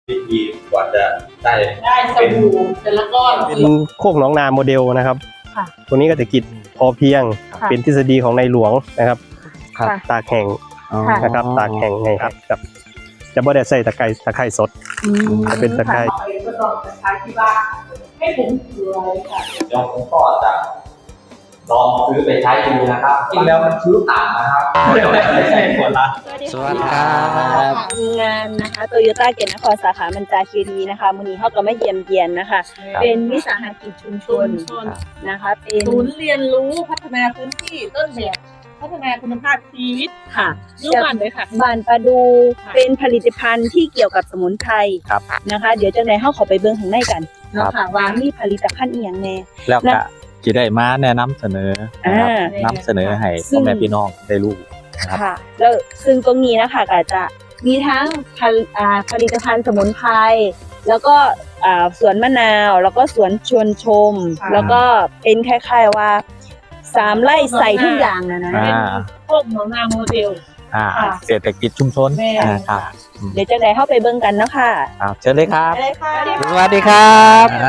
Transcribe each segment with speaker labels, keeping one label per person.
Speaker 1: วิธีกว่าจะได้
Speaker 2: สบู่แต่ละก้อน
Speaker 3: เป็นโคกหนองนาโมเดลนะครับ
Speaker 4: ค่ะ
Speaker 3: ตัวนี้ก็จะกิจพอเพียง
Speaker 4: ค่ะ
Speaker 3: เป็นทฤษฎีของในหลวงนะครับ
Speaker 4: ค่ะ
Speaker 3: ตากแห้ง
Speaker 4: ค่ะ
Speaker 3: นะครับตากแห้งไงครับกับจะบ่ได้ใส่ตะไคร้สด จะเป็นตะไคร้
Speaker 2: ก็ต้องใช้ที่บ้านให้ผมเกลือค่ะ
Speaker 1: เดี๋ยวผมก็จะลองซื้อไปใช้ดูนะครับจริงแล้วมันซื้อต่างนะครับไม่ใช่คนละ
Speaker 4: สวัสดีครับ งานนะคะโตโยต้าเกียรตินครสาขามันจาคีรีนะคะมื้อนี้เฮาก็มาเยี่ยมเยียนนะคะ เป็นวิสาหกิจชุมชนนะคะ เป็น
Speaker 2: ศูนย์เรียนรู้พัฒนาพื้นที่ต้นแบบพัฒนาคุณภาพชีวิต
Speaker 4: ค่ะ
Speaker 2: ยุควันเลยค่ะ
Speaker 4: บ้านประดูเป็นผลิตภัณฑ์ที่เกี่ยวกับสมุนไพร
Speaker 5: ครับ
Speaker 4: นะคะ เดี๋ยวจังได๋เฮาเข้าไปเบิ่งข้างในกัน
Speaker 5: ครั
Speaker 4: เนาะ
Speaker 5: บ
Speaker 4: ค่ะว่ามีผลิตภัณฑ์อีหยังแน่
Speaker 5: แล้วก็จะได้มาแนะนำเสนอนะครับ
Speaker 4: อ่าน
Speaker 5: ำเสนอให้
Speaker 4: ซึ่
Speaker 5: พ่อง แม่พี่น้องได้รู้นะครับ
Speaker 4: ค่ะแล้วซึ่งตรงนี้นะคะก็จะมีทั้งผลิตภัณฑ์สมุนไพรแล้วก็สวนมะนาวแล้วก็สวนชวนชม
Speaker 2: ค่ะ
Speaker 4: แล้วก็เป็นคล้ายๆว่า3 ไร่ใส่ทุกอย่างนะ
Speaker 5: อ่า
Speaker 2: พวกหนองนาโมเดล
Speaker 4: ค่ะ
Speaker 5: เศรษฐกิจชุมชน
Speaker 2: แม่
Speaker 5: ครับ
Speaker 4: เดี๋ยวจะได้เข้าไปเบิ่งกันเนาะค่ะ
Speaker 5: ครับเชิญเลยครับ
Speaker 4: ได้ค่ะ
Speaker 5: สวัสดีครับ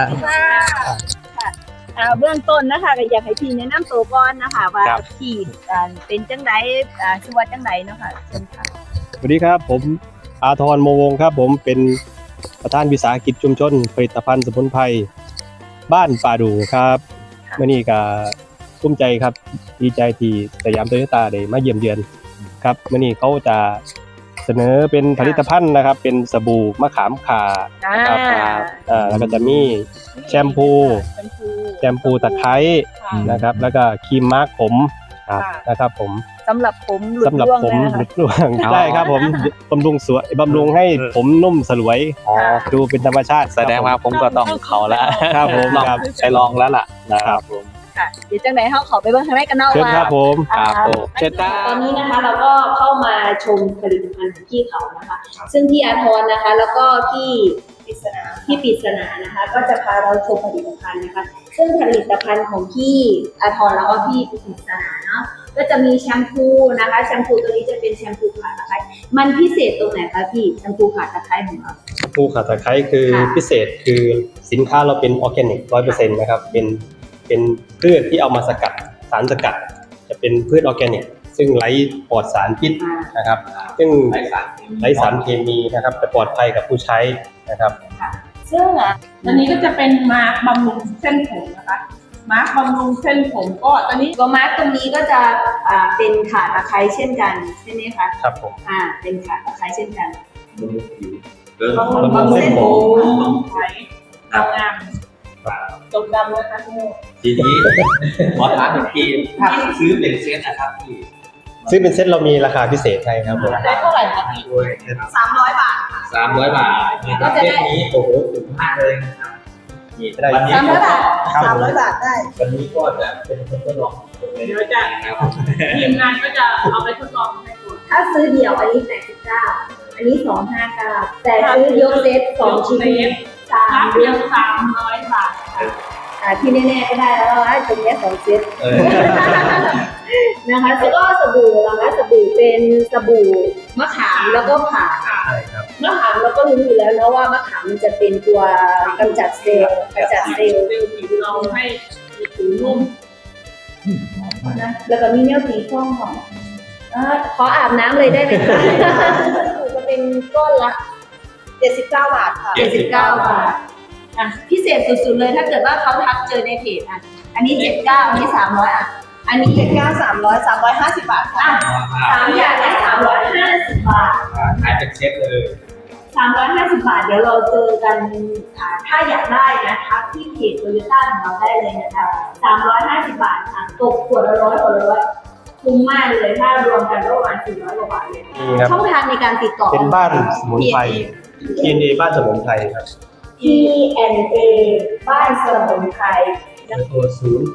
Speaker 4: เบื้องต้นนะคะก็อยากให้พี่แนะนำตัวก่อนนะคะว่า
Speaker 5: ครับ
Speaker 4: พี่เป็นจังไดชื่อว่าจังไดเนาะค่ะเชิญค่ะ
Speaker 3: สวัสดีครับผมอาทรโมวงครับผมเป็นประธานวิสาหกิจชุมชนผลิตภัณฑ์สมุนไพรบ้านป่าดูครับมื่อนี้ก็ภูมิใจครับดีใจที่สยามโตโยต้าได้มาเยี่ยมเยือนครับมื่อนี้เขาจะเสนอเป็นผลิตภัณฑ์นะครับ เป็นสบู่มะขามข่านะครับแล้วก็จะมีแชมพูตะไคร้นะครับแล้วก็ครีมมาร์กผมนะครับผม
Speaker 4: สำหรับผมหลุด
Speaker 3: สำหรับ
Speaker 4: ร่วง
Speaker 3: ผม
Speaker 4: แล้ว
Speaker 3: หลุ
Speaker 4: นะ
Speaker 3: ดร่วง
Speaker 5: อ๋อ
Speaker 3: ได้ครับผมบำรุงสวยบำรุงให้ผมนุ่มสลวย
Speaker 5: อ๋อ
Speaker 3: ดูเป็นธรรมชาติ
Speaker 5: แสดงว่าผมก็ต้องเขาแล้ว
Speaker 3: ครับผม
Speaker 5: ลอง
Speaker 3: ครับ
Speaker 5: ไปลองแล้วล่ะนะครับผม
Speaker 4: ค่ะเดี๋ยวจังไดเฮาขอไปเบิ่งข้างในกันเนาะ
Speaker 3: เชิญ
Speaker 4: ว่า
Speaker 3: ครับผม
Speaker 5: ครับผมเชิญครั
Speaker 4: ตอบ นนี้นะคะเราก็เข้ามาชมผลิตภัณฑ์ของพี่เขานะคะ ซึ่งพี่อาทรนะคะ แล้วก็พี่ปริศนานะคะ ก็จะพาเราชมผลิตภัณฑ์นะคะ ซึ่งผลิตภัณฑ์ของพี่อาทรแล้วก็พี่ปริศนาเนาะก็จะมีแชมพูนะคะแชมพูตัวนี้จะเป็นแชมพูขาตะไคร้มันพิเศษตรงไหนคะพี่แชมพูขาตะไคร้ของเรา
Speaker 3: ผู้ขาตะไคร้คือ
Speaker 4: ค่ะ
Speaker 3: พิเศษคือสินค้าเราเป็นออร์แกนิก 100% นะครับเป็นพืชที่เอามาสกัดสารสกัด จะเป็นพืชออร์แกนิก ซึ่งไร้ปลอดสารพิษนะครับ ซึ่งไร้สารเคมีนะครับแต่ปลอดภัยกับผู้ใช้นะครับ
Speaker 2: ซึ่งอันนี้ก็จะเป็นมาร์คบำรุงเส้นผมนะคะมาร์คบำรุงเส้นผมก็ตอนนี้
Speaker 4: ตัวมาร์กตรงนี้ก็จะเป็นขาตะไคร้เช่นกันใช่ไหมคะ
Speaker 3: ครับผม
Speaker 4: เป็นขาตะไคร้เช่นกัน
Speaker 2: บำรุงเส้นผมไว้งามตกดำนะคะทุกคน
Speaker 1: ทีนี้ขอถามอีกทีถ้าซื้อเป็นเซตนะครับพี่
Speaker 3: ซึ่งเป็นเซตเรามีราคาพิเศษให้ครับผม
Speaker 2: ได้เท่าไหร่คะพี่
Speaker 4: 300 บาท
Speaker 1: 300 บาท
Speaker 4: ก็จะได้
Speaker 1: เซตนี้โอ้โหถูกมากเลยนะครับนี่
Speaker 3: ได้
Speaker 1: วันนี้
Speaker 4: 300 บาท
Speaker 3: ครับผม
Speaker 4: 300 บาทได้
Speaker 1: วันนี้ก็จะเป็นคนทดลอง
Speaker 2: เดี๋ยวจะ
Speaker 1: นะครับ
Speaker 2: ทีมงานก็จะเอาไปทดลองให้ดู
Speaker 4: ถ้าซื้อเดี่ยวอันนี้89อันนี้259แต่ซื้อยกเซต2ชิ้น
Speaker 2: รับ
Speaker 4: 3
Speaker 2: เพียง300 บาทค่ะ
Speaker 4: ที่แน่ๆก็ได้แล้วว่าตรงนี้2เซต
Speaker 1: เออ
Speaker 4: นะคะแล้วก็สบู่นะคะสบู่เป็นสบู่มะขามแล้วก็ผ่า
Speaker 3: ใช่ครับ
Speaker 4: มะขามเราก็รู้อยู่แล้วนะว่ามะขามมันจะเป็นตัวกำจัดเซลล์
Speaker 2: เซลล์ผิวเราให้ผิวนุ่ม
Speaker 4: นะแล้วก็มีเนื้อสีส้มของขออาบน้ำเลยได้ไหมคะจะเป็นก้อนละ79 บาทค่ะ79 บาทพิเศษสุดๆเลยถ้าเกิดว่าเขาทักเจอในเพจอันนี้79อันนี้300อันนี้79 300 350 บาทค่ะ3อย่างได้350 บาท
Speaker 1: ขายเป็นเซตเลย
Speaker 4: 350 บาทเดี๋ยวเราเจอกันถ้าอยากได้นะทักที่เพจโตโยต้าของเราได้เลยนะคะ350 บาทค่ะตกขวดละ100ขวดละ100คุ้มมากเลยถ้ารวมกันก็ประมาณ400 กว่าบาทเลย
Speaker 3: นี่ครับ
Speaker 4: ช่องทางในการติดต่อ
Speaker 3: เป็นบ้านสมุนไพร TNA บ้านสมุนไพรครับ
Speaker 4: TNA บ้านสมุนไพร
Speaker 3: เบอร์โทร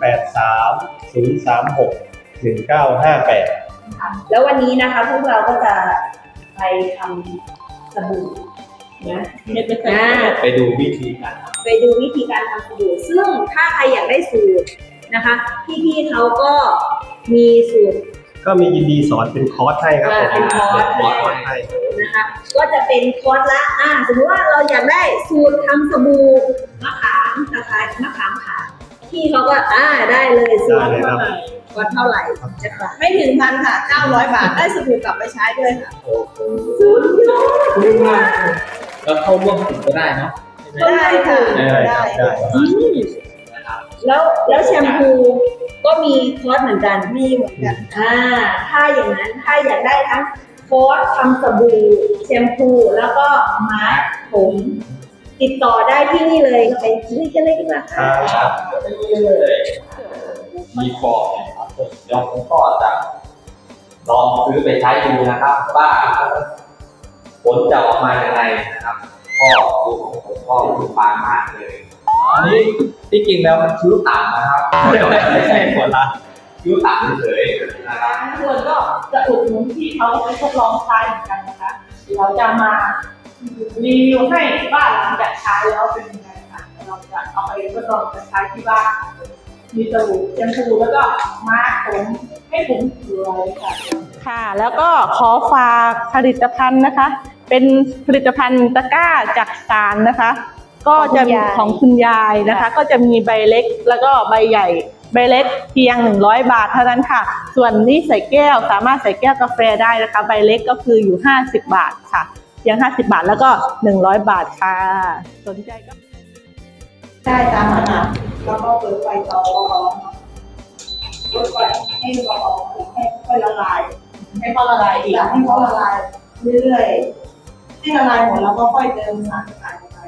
Speaker 3: 083 036 1958
Speaker 4: ค่ะแล้ววันนี้นะคะพวกเราก็จะไปทำสบู่นะ
Speaker 2: เม็ดไม่เคย
Speaker 1: ไปดูวิธีการท
Speaker 4: ไปดูวิธีการทำสบู่ซึ่งถ้าใครอยากได้สูตรนะคะ พี่ๆเขาก็มีสูตร
Speaker 3: ก็มียินดีสอนเป็นคอร์สให้ครับผม
Speaker 4: เป็นคอร์ส
Speaker 3: ให้
Speaker 4: นะคะนะคะก็จะเป็นคอร์สละสมมติว่าเราอยากได้สูตรทำสบู่มะขามนะคะมะขามขาที่เขาก็ได้เลยสูตร
Speaker 3: ได้เลยครับ
Speaker 4: คอร์สเท่าไหร่จะค่ะไม่ถึงพันค่ะ900 บาทได้สบู่กลับไปใช้ด้วยค่ะ
Speaker 1: โอ้โหคุ้มมากแล้วเข้าร่วมกลุ่มก็ได้เนาะ
Speaker 4: ได้ค่ะ
Speaker 3: ได้ครับได้
Speaker 1: นะครับ
Speaker 4: แล้วแชมพูก็มีคอร์สเหมือนกันมีเหมือนกันถ้าอย่างนั้นถ้าอยากได้ทั้งคอร์สทำสบู่แชมพูแล้วก็มาสก์ผมติดต่อได้ที่นี่เลยไปคุยกันเลยดีกว่าค่ะ
Speaker 1: ครับมีฟอร์มนะครับเดี๋ยวผมก็จะลองซื้อไปใช้ดูนะครับว่าผลจะออกมาอย่างไรนะครับก็ดูของผมก็ดูปานมากเลยอันนี้ที่จริงแล้วมันคิ้วต่ำนะครับไม่ใช่ผลละคิ้วต่ำเฉยๆนะครับ
Speaker 2: ส่วนก็จะอุดหนุนที่เขาไปทดลองใช้เหมือนกันนะคะเราจะมารีวิวให้ว่าหลังจากใช้แล้วเป็นยังไงค่ะเราจะเอาไปทดลองใช้ที่บ้านมีสบู่เจมสบู่แล้วก็มาร์คผมให้ผมสวยค่ะค่ะ แล้วก็ขอฝากผลิตภัณฑ์นะคะ เป็นผลิตภัณฑ์ตะกร้าจากสารนะคะ ก็จะมีของคุณยายนะคะ ก็จะมีใบเล็กแล้วก็ใบใหญ่ใบเล็กเพียง100 บาทเท่านั้นค่ะ ส่วนนี้ใส่แก้วสามารถใส่แก้วกาแฟได้นะคะใบเล็กก็คืออยู่50 บาทค่ะเพียง50 บาทแล้วก็100 บาทค่ะสนใจก็ได้ตามขนาดแล้วก็เปิดไฟต่อเปิดไฟให้ร้อนให้ค่อยละลายให้เขาละลายอีกให้เขาละลายเรื่อยๆให้ละลายหมดแล้วก็ค่อยเติมสารสกัดไป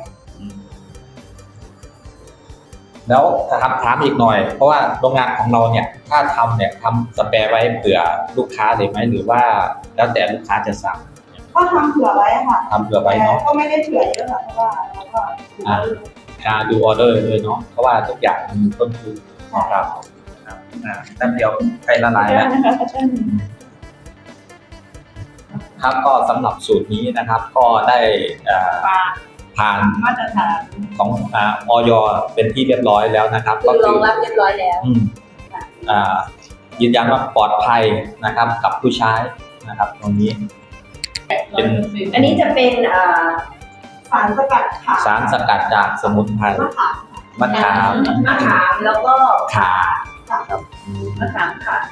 Speaker 1: แล้วถามอีกหน่อย เพราะว่าโรงงานของเราเนี่ยถ้าทำเนี่ยทำสเปรย์ไว้เผื่อลูกค้าเลยไหมหรือว่าแล้วแต่ลูกค้าจะสั่ง
Speaker 4: ก็ทำเผื่อไว้ค่ะ
Speaker 1: ทำเผื่อไว้เนาะ
Speaker 4: ก็ไม่ได้เผื่อเยอะค่ะเพราะว่าเราก็
Speaker 1: ดูออเดอร์เลยเนาะเพราะว่าทุกอย่างมันมีต้นทุนนะครับแป๊บเดียวใกล้ละลายแล้วครับก็สำหรับสูตรนี้นะครับก็ได้ผ่าน
Speaker 2: มาตรฐาน
Speaker 1: ของอย.เป็นที่เรียบร้อยแล้วนะครับ
Speaker 4: คือรองรับเรียบร้อยแล้ว
Speaker 1: ยืนยันว่าปลอดภัยนะครับกับผู้ใช้นะครับตรงนี้เป็น
Speaker 4: อันนี้จะเป็นสารสกัดค่ะ
Speaker 1: สารสกัดจากสมุนไพรมะขาม
Speaker 4: มะขามแล้วก็
Speaker 1: ขาครับ
Speaker 4: มะขามค่ะ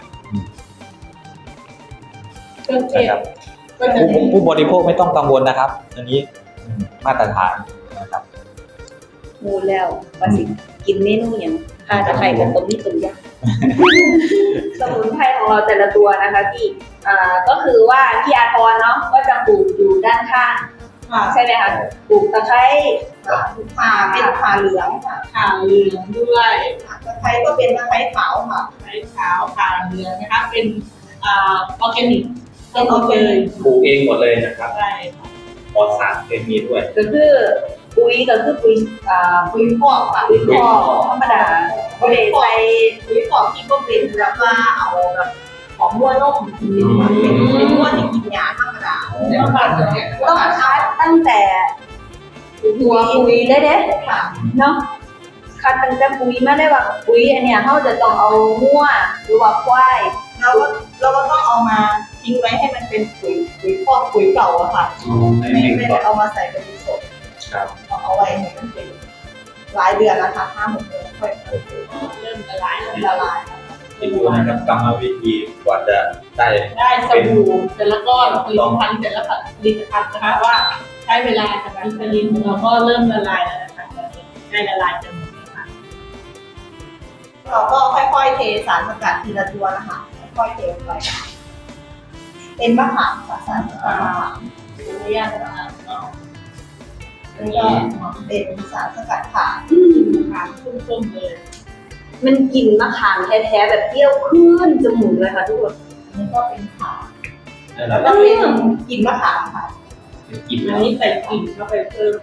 Speaker 2: เครื่องเทศ
Speaker 1: นะครับผู้บริโภคไม่ต้องกังวลนะครับอันนี้มาตรฐานนะครับ
Speaker 4: มูแล้วว่าสิกินเมนูอย่างจะใครกันตรงนี้ตรงยากสมุนไพรของเราแต่ละตัวนะคะที่ก็คือว่าที่อาทรเนาะก็จะปลูกอยู่ด้านข้างใช่ไหมคะปลูกตะไคร้เป็นขาเหลืองค่ะ
Speaker 2: ข่าวเหลืองด้วย
Speaker 4: ตะไคร้ก็เป็นตะไคร้ขาวค่ะ
Speaker 2: ไข่ขาวข่าวเหลืองนะคะเป็นออร์แกนิก
Speaker 4: เป็นออร์แกนิก
Speaker 1: ปลูกเองหมดเลยนะครับ
Speaker 2: ใช่
Speaker 1: ปลอดสารเคมีด้วย
Speaker 4: ก็คือปุ๋ยปุ๋ยพอกค่ะปุ๋ยพอกธรรมดาไม่ได้ใส่ปุ๋ยพอกที่ก็เป็นแบบว่าเอาแบบของมั่วนมเป็นมั่วที่กินยาธรรมดา
Speaker 2: แล้วก็เนี่ย
Speaker 4: ต้องคัดตั้งแต่หัวปุ๋ยได้เด้ค่ะเนาะคัดตั้งแต่ปุ๋ยมาได้ว่าปุ๋ยอันเนี้ยเขาจะต้องเอามั่วหรือว่าควายเราก็ต้องเอามาทิ้งไว้ให้มันเป็นปุ๋ยพอกปุ๋ยเก่าอะค่ะไม่ได้เอามาใส่เป็นสด
Speaker 1: ครับ
Speaker 4: เอาไว้ให้มันเป็นหลายเดือนนะคะ5-6 เดือนค่อย
Speaker 2: เริ่มละลายแล้ว
Speaker 4: ละลาย
Speaker 1: ไปดูนะครับกรรมวิธีกว่าจะได้
Speaker 2: ได้สบู่แต่ละก้อนผลิตภัณฑ์แต่ละผลิตภัณฑ์นะคะว่าใช้เวลาจากการผลิตของเราก็เริ่มละลายแล้วนะคะได้ละลายจนหมดค่ะ
Speaker 4: เราก็ค่อยๆเทสารสกัดทีละตัวนะคะค่อยๆเทลงไปเป็นมะขามค่ะสารสกัดมะขาม
Speaker 2: ระยะเวลาก็
Speaker 4: แล้วก็เป็นสารสกัดขา
Speaker 2: ถามชุ่มๆเลย
Speaker 4: มันกลิ่นมะขามแท้ๆแบบเปรี้ยวขึ้นจมูกเลยค่ะทุกคนนี่ก็เป็นขา
Speaker 1: นั่นแห
Speaker 4: แล้
Speaker 1: ละ
Speaker 4: วก็เป็นกลิ่นมะขามค่ะ
Speaker 1: เป็นกลิ่น
Speaker 2: อันนี้ใส่กลิ่นเข้าไปเพิ่ม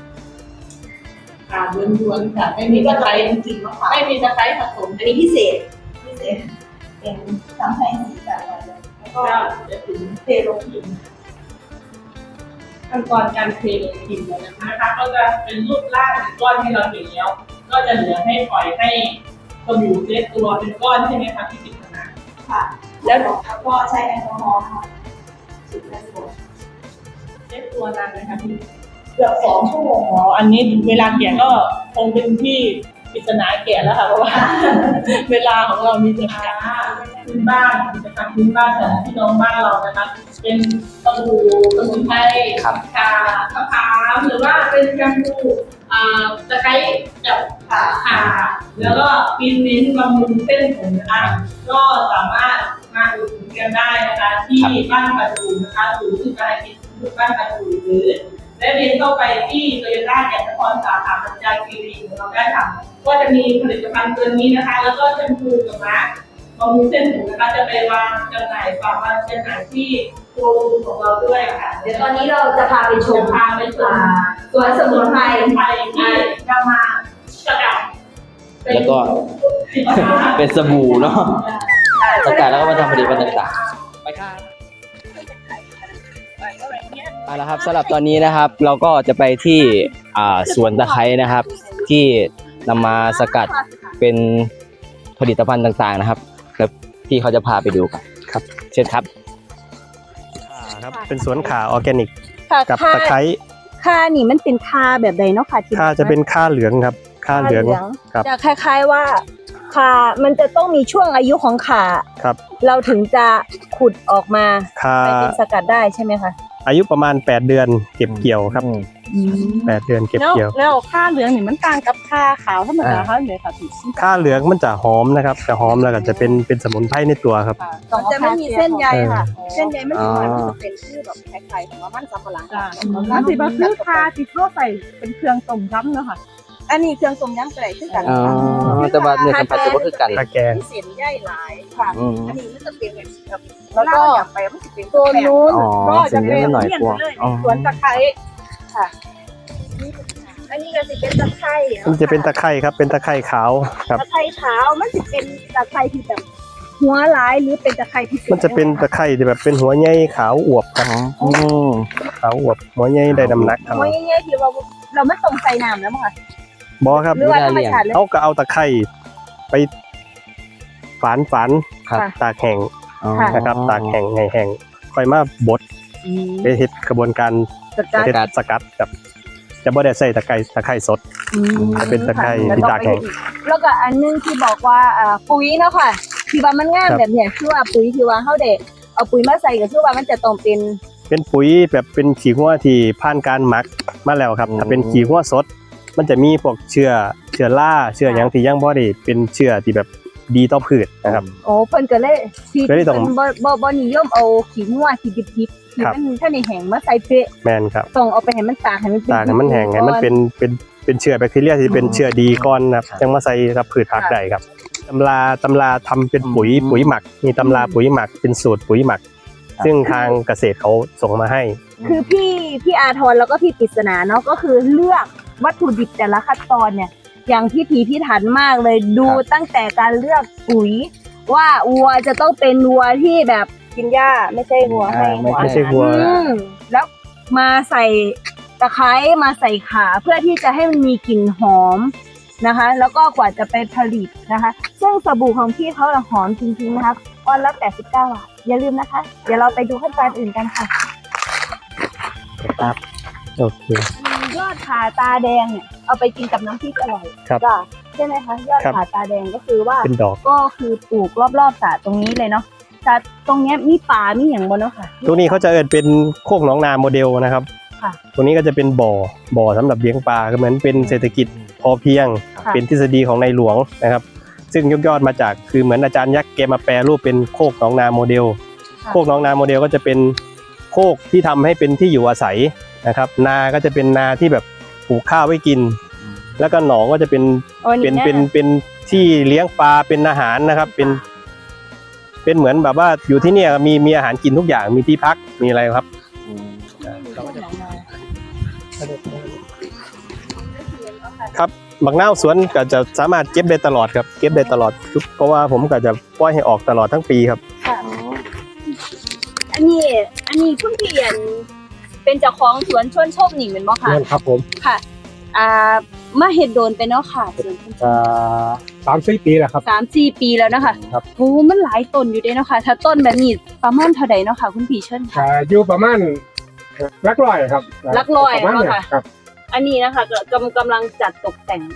Speaker 2: ล้วนๆค่ะไม่มีตะไคร้
Speaker 4: เป็นกลิ่นมะขาม
Speaker 2: ไม่มีตะไคร้ผสม
Speaker 4: อันนี้พิเศษเป็นทำให้สีสันอะไรแล้วก็
Speaker 2: ก็จะถึง
Speaker 4: เทลงหิน
Speaker 2: ขั้นตอนการเทลงหินเลยนะคะก็จะเป็นรูปร่างก้อนที่เราเห็นแล้ว ก็จะเหลือให้ปล่อยให้สบู่เซตตัวเป็นก้อนใช่ไหมคะที่ติดขนาด
Speaker 4: ค่ะ แล้วก็ใช้แอลกอฮอล์ค่ะสุดแรงกด
Speaker 2: แอได้ตัวนานไหมคะพี่เกือบ2 ชั่วโมงอ๋ออันนี้เวลาแกะก็คงเป็นที่ปริศนาแกะแล้วค่ะเพราะว่า เวลาของเรามีจำกัดพื้นบ้านกิจกรรมพื้นบ้านของพี่น้องบ้านเรานะคะเป็นสบู่สมุนไพรข่ามะพร้าวหรือว่าเป็นแชมพูตะไคร้กับข่าแล้วก็ปีนลิ้นบำรุงเส้นผมนะคะก็สามารถมาอุดหนุนกันได้นะคะที่บ้านประดูนะคะหรือที่การกินบ้านประดูหรือและเรียนเข้าไปที่โตโยต้าแก่นครสาขาปัญจาคีรีของเราได้ค่ะก็จะมีผลิตภัณฑ์ตัวนี้นะคะแล้วก็แชมพูกับมาสก์บำรุงเส้นผมนะคะจะไปวางจำหน่ายฝากวางจำหน่ายที่โชว์รูมของเราด้วยค่ะ
Speaker 4: เดี๋ยวตอนนี้เราจะพาไปชม
Speaker 2: พาไปชม
Speaker 4: สวนสมุนไพร
Speaker 2: ที่นำมาสกัด
Speaker 5: แล้วก็ เป็นสบู่เนาะสกัดแล้วก็มาทำผลิตภัณฑ์ต่างๆไปครับเอาละครับสำหรับตอนนี้นะครับ เราก็จะไปที่สวนตะไคร้นะครับ ที่นำมาสกัดเป็นผลิตภัณฑ์ต่างๆนะครับแล้วพี่เขาจะพาไปดูกันครับเชิญครับ
Speaker 3: ครับเป็นสวนข่าออร์แกนิก
Speaker 6: ค่ะ
Speaker 3: กับตะไคร้
Speaker 6: ค่านี่มันเป็นค่าแบบใดเนาะค่ะที่
Speaker 3: ข่าจะเป็นข่าเหลืองครับข่าเหลืองครับ
Speaker 6: จะคล้ายๆว่าค่ามันจะต้องมีช่วงอายุของข่า
Speaker 3: ครับ
Speaker 6: เราถึงจะขุดออกมา
Speaker 3: ข่า
Speaker 6: ไปเป็นสกัดได้ใช่ไหมคะ
Speaker 3: อายุประมาณ8 เดือนเก็บเกี่ยวครับ8 เดือนเก็บเกี่ยว
Speaker 2: แล้วค่าเหลืองนี่มันต่างกับค่าขาวธรรมดาค่ะเลยค่ะพี่
Speaker 3: ข่าเหลืองมันจะหอมนะครับจะหอมแล้วก็จะเป็นสมุนไพรในตัวครับ
Speaker 6: มันจะไม่มีเส้นใยค่ะ
Speaker 3: เออ
Speaker 6: เส้นใยมันจะเป็นชื่อแบบคล้ายๆของมันสำปะหลัง
Speaker 2: จ้ะมันสิบ่คือค่าที่เขาใส่เป็นเครื่องต้มยำเนาะค่ะ
Speaker 6: อันนี้เครื่องต้มยำก็ได้คือกัน
Speaker 5: อ๋อแต่ว่าเนื้อสัมผัสจะบ่คือกัน
Speaker 3: ตะแกง
Speaker 6: มีเส้นใยหลายค่ะ
Speaker 5: อืม
Speaker 6: อันนี้มันจะเป็นแบบ
Speaker 2: แล้วก็
Speaker 6: อยากไปมันจะเป็นตัวนู้น
Speaker 5: อ๋อ
Speaker 6: ก็จะเป็น
Speaker 5: เส้นใยมันหน่อยกว่าอ๋อ
Speaker 6: สวนตะไคร้ค่ะ อันนี้ก็จะเป็นตะไคร้
Speaker 3: มันจะเป็นตะไคร้ครับเป็นตะไคร้ขาวครับ
Speaker 6: ตะไคร้ขาวมันจะเป็นตะไคร้ที่แบบหัวร้ายหรือเป็นตะไคร้ที่
Speaker 3: มันจะเป็นตะไคร้ที่แบบเป็นหัวใหญ่ขาวอวบครับ
Speaker 5: อืม
Speaker 3: ขาวอวบหัวใหญ่ได้น้ำหนักครับ
Speaker 6: หัวใหญ่ๆที่เราไม่ตรงใส่น้ำแล้วมั้งคะ
Speaker 3: บอครับ
Speaker 6: หรือว่าธรรมชาติเลย
Speaker 3: เขาก็เอาตะไคร้ไปฝาน
Speaker 5: ครับ
Speaker 3: ตากแห้ง
Speaker 5: อ๋อ
Speaker 3: นะครับตากแห้งให้แห้งค่อยมาบดไปเฮ็ดกระบวนการ
Speaker 6: สกัด
Speaker 3: เฮ็ดสกัดครับจะบ่ได้ใส่ตะไคร้สด จะเป็นตะไคร้ที่ตากแห้ง
Speaker 6: แล้วก็อันนึงที่บอกว่าปุ๋ยเนาะค่ะที่ว่ามันงามแบบเนี้ยคือว่าปุ๋ยที่ว่าเฮาได้เอาปุ๋ยมาใส่ก็คือว่ามันจะต้องเป็น
Speaker 3: ปุ๋ยแบบเป็นขี้หัวที่ผ่านการหมักมาแล้วครับถ้าเป็นขี้หัวสด มันจะมีพวกเชื้อราเชื้อหยังที่ยังบ่ได้เป็นเชื้อที่แบบดีต่อพืชนะครับ
Speaker 6: โอ้เพิ่นก็เลยที่
Speaker 3: ก็เลยต้อง
Speaker 6: เพิ่นบ่นิยมเอาขี้งัวขี้ดิบๆที่
Speaker 3: ครับ
Speaker 6: มันถ้าในแห้งมาใส่เปะ
Speaker 3: แม่นครับ
Speaker 6: ต้องเอาไปให้มันตากให้มันเป็น
Speaker 3: ตากให้มันแห้งให้มันเป็นเชื้อแบคทีเรียที่เป็นเชื้อดีก่อนนะครับจังมาใส่กับพืชผักได้ครับตำราทำเป็นปุ๋ยหมักมีตำราปุ๋ยหมักเป็นสูตรปุ๋ยหมัก ซึ่งทางเกษตรเขาส่งมาให้
Speaker 6: คือพี่อาทรแล้วก็พี่ปริศนาเนาะก็คือเลือกวัตถุดิบแต่ละขั้นตอนเนี่ย อย่างพิถันมากเลยดูตั้งแต่การเลือกปุ๋ย ว่าวัวจะต้องเป็นวัวที่แบบกินหญ้าไม่ใช่วัวให้
Speaker 3: ไม่ใช่วัว
Speaker 6: แล้วมาใส่ตะไคร้มาใส่ขาเพื่อที่จะให้มันมีกลิ่นหอมนะคะ แล้วก็กว่าจะไปผลิตนะคะ ซึ่งสบู่ของพี่เขาหอมจริงๆนะครับวันละ89 บาทอย่าลืมนะคะ เดี๋ยวเราไปดูขั้นตอนอื่นกันค่ะ
Speaker 3: ครับโอเค
Speaker 6: ยอดขาตาแดงเนี่ยเอาไปกินกับน้ำพริกอร่อย
Speaker 3: ครับ
Speaker 6: จ้ะใช่ไหมคะยอด
Speaker 3: ครับ
Speaker 6: ขาตาแดงก็คือว่า
Speaker 3: เป็นดอก
Speaker 6: ก็คือปลูกรอบๆสระตรงนี้เลยเนาะสระตรงเนี้ยมีป่ามีอย่างบนเนาะค่ะ
Speaker 3: ตรงนี้เขาจะเอิ้นเป็นโคกหนองนาโมเดลนะครับ
Speaker 6: ค่ะ
Speaker 3: ตรงนี้ก็จะเป็นบ่อสำหรับเลี้ยงปลาก็เหมือนเป็นเศรษฐกิจพอเพียง
Speaker 6: ค่ะ
Speaker 3: เป็นทฤษฎีของในหลวงนะครับ ซึ่งยกยอดมาจากคือเหมือนอาจารย์ยักษ์แกมาแปรรูปเป็นโคกหนองนาโมเดล โคกหนองนาโมเดลก็จะเป็นโคกที่ทำให้เป็นที่อยู่อาศัยนะครับ นาก็จะเป็นนาที่แบบปลูกข้าวไว้กิน แล้วก็หนองก็จะเป็น
Speaker 6: โอ้นี่นะ
Speaker 3: เป็นที่เลี้ยงปลาเป็นอาหารนะครับ เป็นเหมือนแบบว่าอยู่ที่เนี่ยมีอาหารกินทุกอย่างมีที่พักมีอะไรครับ ครับบักนาวสวนก็จะสามารถเก็บได้ตลอดครับเก็บได้ตลอดเพราะว่าผมก็จะปล่อยให้ออกตลอดทั้งปีครับ
Speaker 6: ค่ะอันนี้คุณพี่อันเป็นเจ้าของสวนชวนชมนี่เหมือนบ่ค่ะ
Speaker 3: นั่นครับผม
Speaker 6: ค่ะมาเฮ็ดโดนไปเนาะค่ะสวน
Speaker 3: 3-4 ปีแล้วครับ
Speaker 6: 3-4 ปีแล้วนะคะ
Speaker 3: ครับ
Speaker 6: โอ้มันหลายต้นอยู่เด้เนาะค่ะถ้าต้นแบบนี้ประมาณเท่าใดเนาะค่ะคุณพี่เชิญค่ะ
Speaker 7: อยู่ประมาณลักลอยครับ
Speaker 6: ลักลอย
Speaker 7: ประมาณ
Speaker 6: ค่ะ
Speaker 7: ครับ
Speaker 6: อันนี้นะคะกำลังจัดตกแต่ง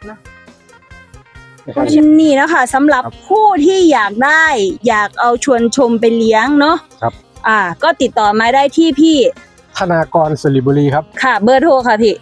Speaker 7: นะครับ
Speaker 6: นี่นะคะสำหรับผู้ที่อยากเอาชวนชมไปเลี้ยงเนาะ
Speaker 7: ครับ
Speaker 6: ก็ติดต่อมาได้ที่พี่
Speaker 7: ธนากรสิริบุรีครับ
Speaker 6: ค่ะเบอร์โทรค่ะพี่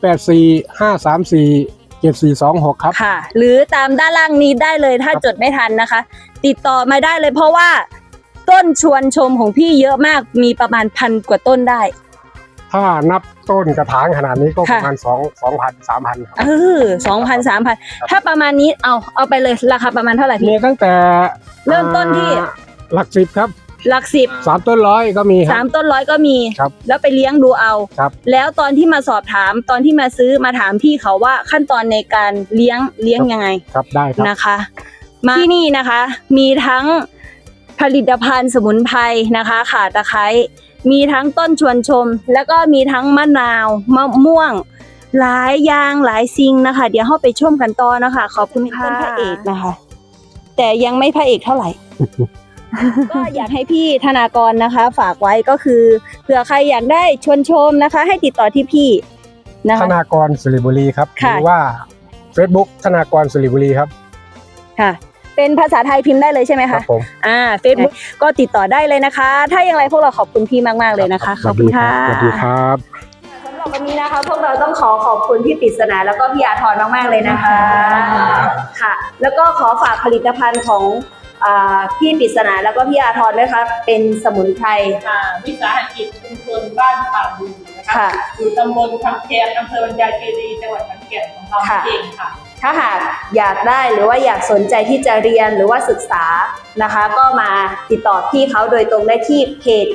Speaker 7: 0845347426ครับ
Speaker 6: ค่ะ หรือตามด้านล่างนี้ได้เลยถ้าจดไม่ทันนะคะ ติดต่อมาได้เลยเพราะว่าต้นชวนชมของพี่เยอะมากมีประมาณ1,000 กว่าต้นได้
Speaker 7: ถ้านับต้นกระถางขนาดนี้ก็ประมาณ
Speaker 6: ค่ะ
Speaker 7: 2,000-3,000 ครับ
Speaker 6: 2,000 3,000 ถ้าประมาณนี้เอาไปเลยราคาประมาณเท่าไหร่
Speaker 7: มี
Speaker 6: พี่
Speaker 7: ตั้งแต่
Speaker 6: เริ่มต้นที่
Speaker 7: หลักสิบครับ
Speaker 6: หลักสิบ
Speaker 7: 3 ต้นร้อยก็มีครับ
Speaker 6: 3 ต้นร้อยก็มี
Speaker 7: ครับ
Speaker 6: แล้วไปเลี้ยงดูเอา
Speaker 7: ครับ
Speaker 6: แล้วตอนที่มาสอบถามตอนที่มาซื้อมาถามพี่เขาว่าขั้นตอนในการเลี้ยงยังไง
Speaker 7: ครับได้ครับ
Speaker 6: นะคะมาที่นี่นะคะมีทั้งผลิตภัณฑ์สมุนไพรนะคะข่าตะไคร้มีทั้งต้นชวนชม แล้วก็มีทั้งมะนาวมะม่วง หลายอย่างหลายสิ่งนะคะ เดี๋ยวเราไปชมกันต่อนะคะขอบคุณค่ะต้นพระเอกนะคะ แต่ยังไม่พระเอกเท่าไหร่ ก็อยากให้พี่ธนากรนะคะ ฝากไว้ก็คือเผื่อใครอยากได้ชวนชมนะคะ ให้ติดต่อที่พี่นะ
Speaker 7: ธ
Speaker 6: คะ
Speaker 7: นากรสิริบุรีครับห
Speaker 6: ค่ะ
Speaker 7: รือว่า Facebook ธนากรสิริบุรีครับ
Speaker 6: ค่ะ เป็นภาษาไทยพิมพ์ได้เลยใช่ไหม
Speaker 7: ครั
Speaker 6: คะ
Speaker 7: บผม
Speaker 6: Facebook ก็ติดต่อได้เลยนะคะ ถ้าอย่างไรพวกเราขอบคุณพี่มากๆเลยนะคะ ขอบคุณค่ะ
Speaker 7: สวัสดีครับ
Speaker 6: สำหรับวันนี้นะคะพวกเราต้องขอบคุณพี่ปริศนาแล้วก็พี่อาทรมากๆเลยนะคะค่ะ แล้วก็ขอฝากผลิตภัณฑ์ของพี่ปริศนาแล้วก็พี่อาทรด้วยค่ะเป็นสมุนไพร
Speaker 2: วิสาหกิจชุมชนบ้านป่าดูนะคะ
Speaker 6: ค่ะ
Speaker 2: อยู่ตำบลคำแคนอำเภอบรรยายคีรีจังหวัดขอนแก่นของเราเองค่ะ
Speaker 6: ถ้าหากอยากได้หรือว่าอยากสนใจที่จะเรียนหรือว่าศึกษานะคะ ก็มาติดต่อพี่เขาโดยตรงได้ที่เพจ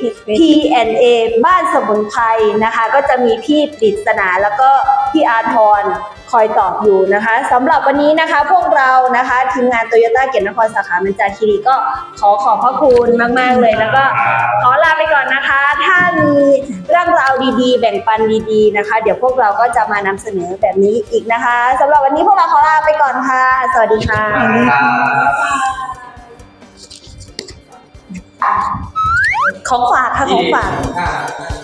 Speaker 6: P&A บ้านสมุนไพรนะคะ ก็จะมีพี่ปริศนาแล้วก็พี่อาทรคอยตอบอยู่นะคะสำหรับวันนี้นะคะพวกเรานะคะทีมงานโตโยต้าเกียรตินครสาขาบรรจาคีรีก็ขอบพระคุณมากๆเลยแล้วก็ขอลาไปก่อนนะคะ ถ้ามีเรื่องราวดีๆ แบ่งปันดีๆนะคะ เดี๋ยวพวกเราก็จะมานำเสนอแบบนี้อีกนะคะสำหรับวันนี้พวกเราขอลาไปก่อนค่ะ สวัสดีค่ะ ของฝากค่ะของฝาก
Speaker 1: 25